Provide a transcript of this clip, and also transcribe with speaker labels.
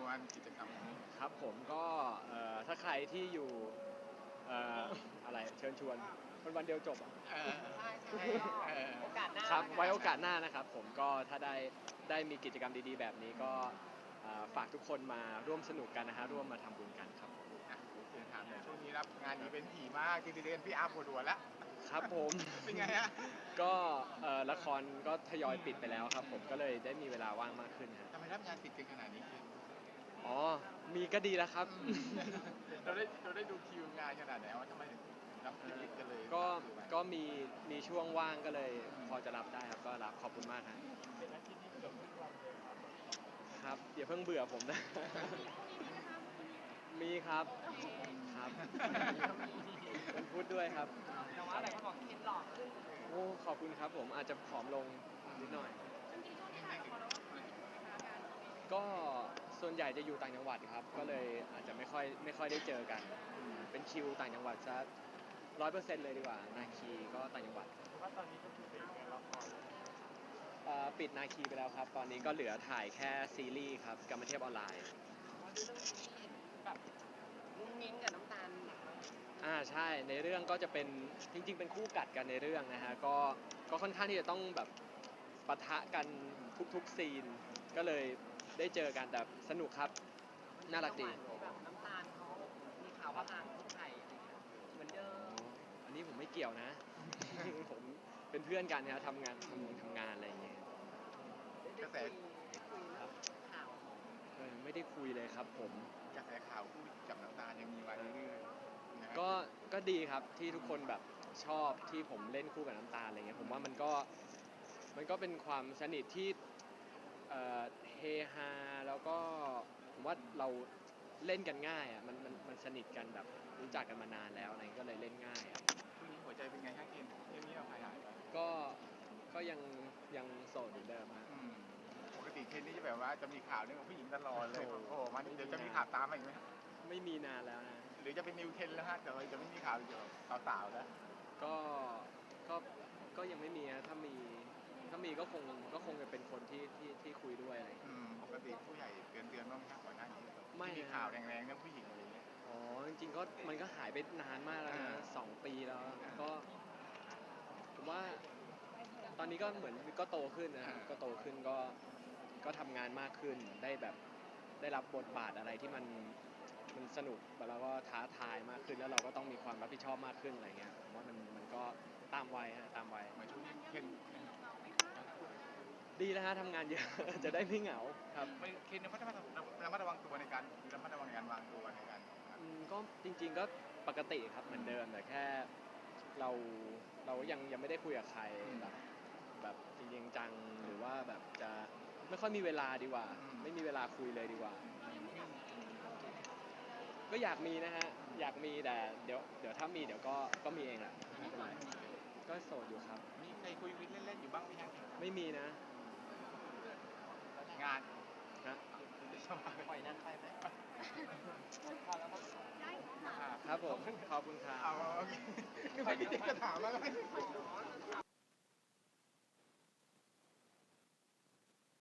Speaker 1: วันกิจกรรมนี้
Speaker 2: ครับผมก็ถ้าใครที่อยู่อะไรเชิญชวนวันเดียวจบอ่ะ
Speaker 1: เออ
Speaker 3: ใช่โอกาสหน้า
Speaker 2: ครับไว้โอ
Speaker 3: ละน
Speaker 2: กาสหน้านะครับผมก็ถ้าได้มีกิจกรรมดีๆแบบนี้ก็ฝากทุกคนมาร่วมสนุกกันนะฮะร่วมมาทำบุญกันครับผม
Speaker 1: อ่ะเชิญถามเลยช่วงนี้รับงานอีเวนต์ถี่มากจริงๆเรียนพี่อาร์ปวดหัวแล้ว
Speaker 2: ครับผม
Speaker 1: เป็นไงฮะ
Speaker 2: ก็ละครก็ทยอยปิดไปแล้วครับผมก็เลยได้มีเวลาว่างมากขึ้นฮะ
Speaker 1: ทำไมรับงานติดกันขนาดนี้คือ
Speaker 2: อ๋อมีก็ดีแล้วครับ
Speaker 1: เราได้ดูคิวงานขนาดไหนว่าทำไมถึงรับติดกันเลย
Speaker 2: ก็มีช่วงว่างก็เลยพอจะรับได้ครับก็รับขอบคุณมากครับครับอย่าเพิ่งเบื่อผมนะ มีครับครับวันพุธด้วยครับ
Speaker 3: แต่ว่าอะไรก็บอกเคนหล่อขึ้น
Speaker 2: โอ้ขอบคุณครับผมอาจจะผอมลงนิดหน่อย ก็ส่วนใหญ่จะอยู่ต่างจังหวัดครับก็เลยอาจจะไม่ค่อยได้เจอกันเป็นคิวต่างจังหวัดซะ100%เลยดีกว่านาคีก็ต่างจังหวัดว่าตอนนี้ก็คือเป็นละครปิดนาคีไปแล้วครับตอนนี้ก็เหลือถ่ายแค่ซีรีส์ครับกรรมเทพออนไลน์
Speaker 3: แบบมุ้งมิ้งกับน้ำตาล
Speaker 2: ใช่ในเรื่องก็จะเป็นจริงๆเป็นคู่กัดกันในเรื่องนะฮะก็ค่อนข้างที่จะต้องแบบปะทะกันทุกซีนก็เลยได้เจอกันแต่สนุกครับน่ารักดี
Speaker 3: แบบน้ำตาลเขามีข่าวว่าทางไทยอะไรเงี้ยเหมือนเดิม
Speaker 2: อันนี้ผมไม่เกี่ยวนะ ผมเป็นเพื่อนกันนะทำงานอะไรอย่างเงี้ย
Speaker 1: กระแส
Speaker 2: ครับ
Speaker 3: ข่าว
Speaker 2: ไม่ได้คุยเลยครับผม
Speaker 1: กระแสข่าวคู่จับน้ำตาลยังมีมาเรื่อยๆนะฮะ
Speaker 2: ก็ดีครับที่ทุกคนแบบชอบที่ผมเล่นคู่กับน้ำตาลอะไรเงี้ยผมว่ามันก็เป็นความสนิทที่เฮฮาแล้วก็ผมว่าเราเล่นกันง่ายอ่ะมันสนิทกันแบบรู้จักกันมานานแล้วอะไรก็เลยเล่นง่ายอ่ะ
Speaker 1: ช่วงนี้หัวใจเป็นไงฮะเกณฑ์เรื่องนี้เราหายไป
Speaker 2: ก็ยังโสดเหมือนเดิมฮะ
Speaker 1: ปกติเคนนี่จะแบบว่าจะมีข่าวเรื่องของผู้หญิงตลอดเลย
Speaker 2: โอ้
Speaker 1: โอ้
Speaker 2: โห
Speaker 1: โหมันเดี๋ยวจะมีข่าวตามมาอีกไหมฮะ
Speaker 2: ไม่มีนานแล้วนะ
Speaker 1: หรือจะเป็นนิวเคนแล้วฮะแต่ว่าจะไม่มีข่าวเกี่ยวกับสาวๆแล้ว
Speaker 2: ก็ก็ยังไม่มีนะถ้ามีก็คงจะเป็นคนที่คุยด้วยอะไรอย่างเงี้ย
Speaker 1: ปกติผู้ใหญ่เตือนบ้างไหมครับก่อนหน้านี้
Speaker 2: ไม่
Speaker 1: มีข่าวแรงๆเรื่องผู้หญิงอะไรอย่างเงี้ย
Speaker 2: อ๋อจริงๆก็มันก็หายไปนานมากแล้วนะ2 ปีแล้วก็ผมว่าตอนนี้ก็เหมือนก็โตขึ้นนะครับก็โตขึ้นก็ทำงานมากขึ้นได้แบบได้รับบทบาทอะไรที่มันสนุกแล้วก็ท้าทายมากขึ้นแล้วเราก็ต้องมีความรับผิดชอบมากขึ้นอะไรเงี้ยผมว่ามันก็ตามวัยฮะตามวัย
Speaker 1: เหมือนช่วงนี้เคน
Speaker 2: ดีแล้วฮะทำงานเยอะ จะได้ไม่เหงาครับ
Speaker 1: เคนระมัดระวังตัวในการระมัดระวังในการวางตัวในการ
Speaker 2: ก็จริงๆก็ปกติครับเหมือนเดิมแต่แค่เรายังไม่ได้คุยกับใครแบบจริงๆจังหรือว่าแบบจะไม่ค่อยมีเวลาดีกว่า ไม่มีเวลาคุยเลยดีกว่า ก็อยากมีนะฮะอยากมีแต่เดี๋ยวถ้ามีเดี๋ยวก็มีเองแหละไม่เป็นไรก็โสดอยู่ครับ
Speaker 1: มีใครคุยเล่นๆอยู่บ้างไหมฮะ
Speaker 2: ไม่มีนะ
Speaker 1: งาน
Speaker 2: ฮะ
Speaker 3: ปล่อยนั่นไปไหมพอแล้วครับ
Speaker 2: ครับผมขอบคุณครับ
Speaker 1: เอาโอเคคือไปที่จะถามว่า